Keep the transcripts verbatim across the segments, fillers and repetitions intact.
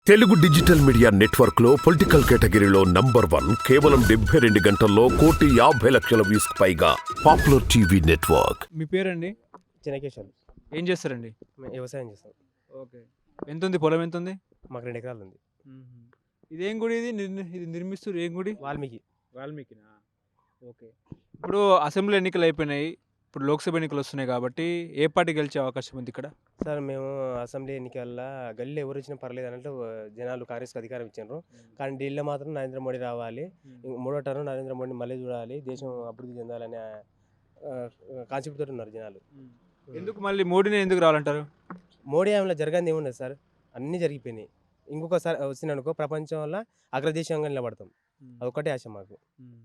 Telugu digital media network లో political కేటగిరీలో number one కేవలం డెబ్బై రెండు గంటల్లో కోటి యాభై లక్షల వ్యూస్ పైగా పాపులర్ టీవీ నెట్వర్క్. మీ పేరండి? చినకేశ్వర్. ఏం చేస్తారండి? మేము వ్యవసాయం చేస్తాం. ఓకే. ఎంత ఉంది పొలం? ఎంత ఉంది? మాకు రెండు ఎకరాలు ఉంది. ఇదేం గుడి? ఇది నిర్- ఇది నిర్మిస్తారు ఏం గుడి? వాల్మీకి. వాల్మీకినా? ఓకే. ఇప్పుడు అసెంబ్లీ ఎన్నికలు అయిపోయినాయి, ఇప్పుడు లోక్సభ ఎన్నికలు వస్తున్నాయి కాబట్టి ఏ పార్టీ గెలిచే అవకాశం ఉంది ఇక్కడ? సార్ మేము అసెంబ్లీ ఎన్నికల్లో గల్లీలో ఎవరు వచ్చినా పర్లేదు అన్నట్టు జనాలు కాంగ్రెస్కి అధికారం ఇచ్చారు. కానీ ఢిల్లీలో మాత్రం నరేంద్ర మోడీ రావాలి, ఇంక మూడో టర్మ్ నరేంద్ర మోడీ మళ్ళీ చూడాలి, దేశం అభివృద్ధి చెందాలనే కాన్సెప్ట్ తోటి ఉన్నారు జనాలు. ఎందుకు మళ్ళీ మోడీని ఎందుకు రావాలంటారు? మోడీ ఆమెలో జరగంది ఏముండదు సార్, అన్నీ జరిగిపోయినాయి. ఇంకొకసారి వచ్చిందనుకో ప్రపంచంలో అగ్రదేశంగా నిలబడతాం, అదొకటే ఆశ మాకు.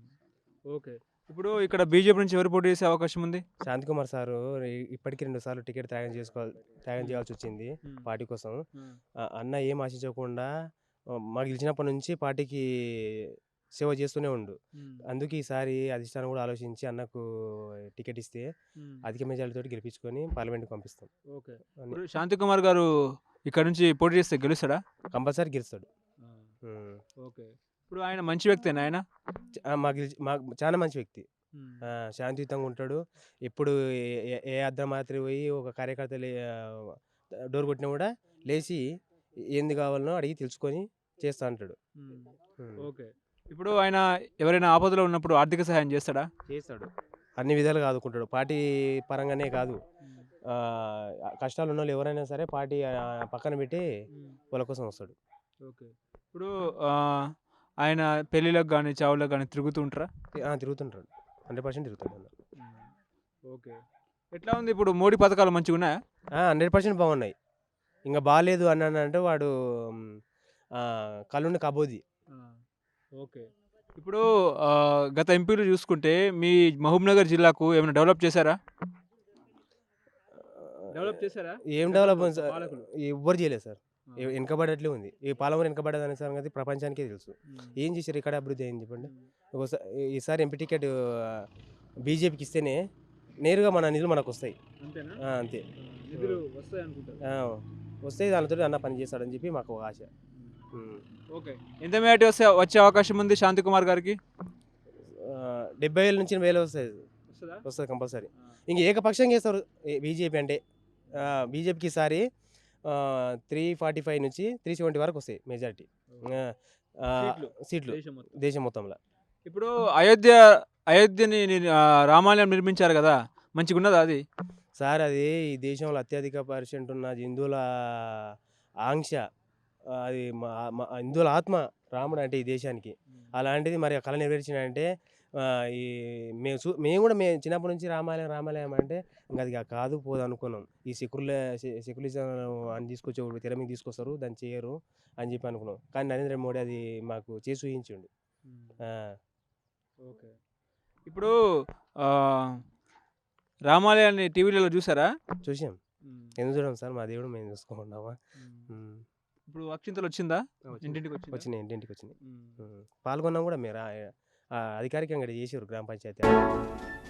ఓకే. ఇప్పుడు ఇక్కడ బీజేపీ నుంచి ఎవరు పోటీ చేసే అవకాశం ఉంది? శాంతికుమార్ సారు ఇ- ఇప్పటికీ రెండు సార్లు టికెట్ త్యాగం చేసుకోవాలి త్యాగం చేయాల్సి వచ్చింది పార్టీ కోసం. ఆ, అన్న ఏం ఆశించకుండా ఆ, మాకు గెలిచినప్పటి నుంచి పార్టీకి సేవ చేస్తూనే ఉండు. అందుకే ఈసారి అధిష్టానం కూడా ఆలోచించి అన్నకు టికెట్ ఇస్తే అధిక మెజారిటీతో గెలిపించుకొని పార్లమెంట్కి పంపిస్తాం. ఓకే. ఇప్పుడు శాంతికుమార్ గారు ఇక్కడ నుంచి పోటీ చేస్తే గెలుస్తాడా? కంపల్సరీ గెలుస్తాడు. ఉమ్. ఓకే. ఇప్పుడు ఆయన మంచి వ్యక్తేనా ఆయన? చ- ఆ, మాకు గెలిచి- మాకు చాలా మంచి వ్యక్తి. ఆ, శాంతియుతంగా ఉంటాడు. ఎప్పుడు ఏ- ఏ- ఏ అర్ధరాత్రి పోయి ఒక కార్యకర్త లే- ఆ, డోర్ కొట్టినా కూడా లేచి ఏంది కావాలనో అడిగి తెలుసుకొని చేస్తా అంటాడు. ఉమ్. ఓకే. ఇప్పుడు ఆయన ఎవరైనా ఆపదలో ఉన్నప్పుడు ఆర్థిక సహాయం చేస్తాడా? చేస్తాడు, అన్ని విధాలుగా ఆదుకుంటాడు. పార్టీ పరంగానే కాదు, ఆ, కష్టాలు ఉన్న వాళ్ళు ఎవరైనా సరే పార్టీ ఆ, పక్కన పెట్టి వాళ్ళ కోసం వస్తాడు. ఓకే. ఇప్పుడు ఆ, ఆయన పెళ్ళిళ్ళకి కానీ చావులకు కానీ తిరుగుతూ ఉంటారా? ఆ, తిరుగుతుంటాడు, హండ్రెడ్ పర్సెంట్ తిరుగుతాడు అన్న. ఓకే. ఎట్లా ఉంది ఇప్పుడు మోడీ పథకాలు మంచిగా ఉన్నాయా? హండ్రెడ్ పర్సెంట్ బాగున్నాయి. ఇంకా బాగాలేదు అన్నానంటే వాడు మ్, ఆ, కళ్ళుండి కబోది. ఓకే. ఇప్పుడు ఆ, గత ఎంపీలు చూసుకుంటే మీ మహబూబ్నగర్ జిల్లాకు ఏమైనా డెవలప్ చేశారా? డెవలప్ చేశారా? ఏం డెవలప్ సార్, పాలకులు. ఎవ్వరు చేయలేదు సార్, ఎ- వెనకబడట్లే ఉంది. ఈ పాలమూరు వెనకబడేదాని సంగతి ప్రపంచానికే తెలుసు. ఏం చేశారు ఇక్కడ అభివృద్ధి అయింది చెప్పండి. ఒకసారి ఈసారి ఎంపీ టికెట్ బీజేపీకి ఇస్తేనే నేరుగా మన నిధులు మనకు వస్తాయి. అంతేనా? ఆ, అంతే. నిధులు వస్తాయి అనుకుంటారు. ఆ, వస్తాయి, దానితో అన్న పని చేస్తాడని చెప్పి మాకు ఒక ఆశ. ఉమ్. ఓకే. ఎంత మేటి వస్తే వచ్చే అవకాశం ఉంది శాంతికుమార్ గారికి? ఆ, డెబ్బై వేల నుంచి వేలు వస్తాయి, వస్తుందా? వస్తుంది కంపల్సరీ. ఇంక ఏకపక్షంగా చేస్తారు బీజేపీ అంటే. బీజేపీకి ఈసారి త్రీ ఫార్టీ ఫైవ్ నుంచి త్రీ సెవెంటీ వరకు వస్తాయి మెజారిటీ సీట్లు. సీట్లు దేశం మొత్తం. దేశం మొత్తంలో. ఇప్పుడు అయోధ్య అయోధ్యని ని- ఆ, రామాలయం నిర్మించారు కదా, మంచిగా ఉన్నదా అది? సార్ అది ఈ దేశంలో అత్యధిక పర్సెంట్ ఉన్న హిందువుల ఆంక్ష, ఆ, అది మా మా- హిందువుల ఆత్మ రాముడు అంటే ఈ దేశానికి. అలాంటిది మరి ఆ కళ నెరవేర్చినంటే ఆ, ఈ మేము చూ మేము కూడా మేము చిన్నప్పటి నుంచి రామాలయం రామాలయం అంటే ఇంకా అది కాదు పోదు అనుకున్నాం. ఈ సెక్యుల సెక్యులిజం అని తీసుకొచ్చే వాళ్ళు తెర మీద తీసుకొస్తారు, దాన్ని చేయరు అని చెప్పి అనుకున్నాం. కానీ నరేంద్ర మోడీ అది మాకు చేసి చూపించిండు. ఆ, ఓకే. ఇప్పుడు ఆ, రామాలయాన్ని టీవీలలో చూసారా? చూసాం. ఎందుకు చూడం సార్, మా దేవుడు మేము చూసుకుంటామా. ఇప్పుడు అక్షింతలు వచ్చిందా? ఇంటింటికి వచ్చిందా? వచ్చినాయి, ఇంటింటికి వచ్చినాయి. ఉమ్. ఉమ్. పాల్గొన్నాం కూడా మీరు ఆ, ఆ, అధికారికంగా చేసారు గ్రామ పంచాయతీ.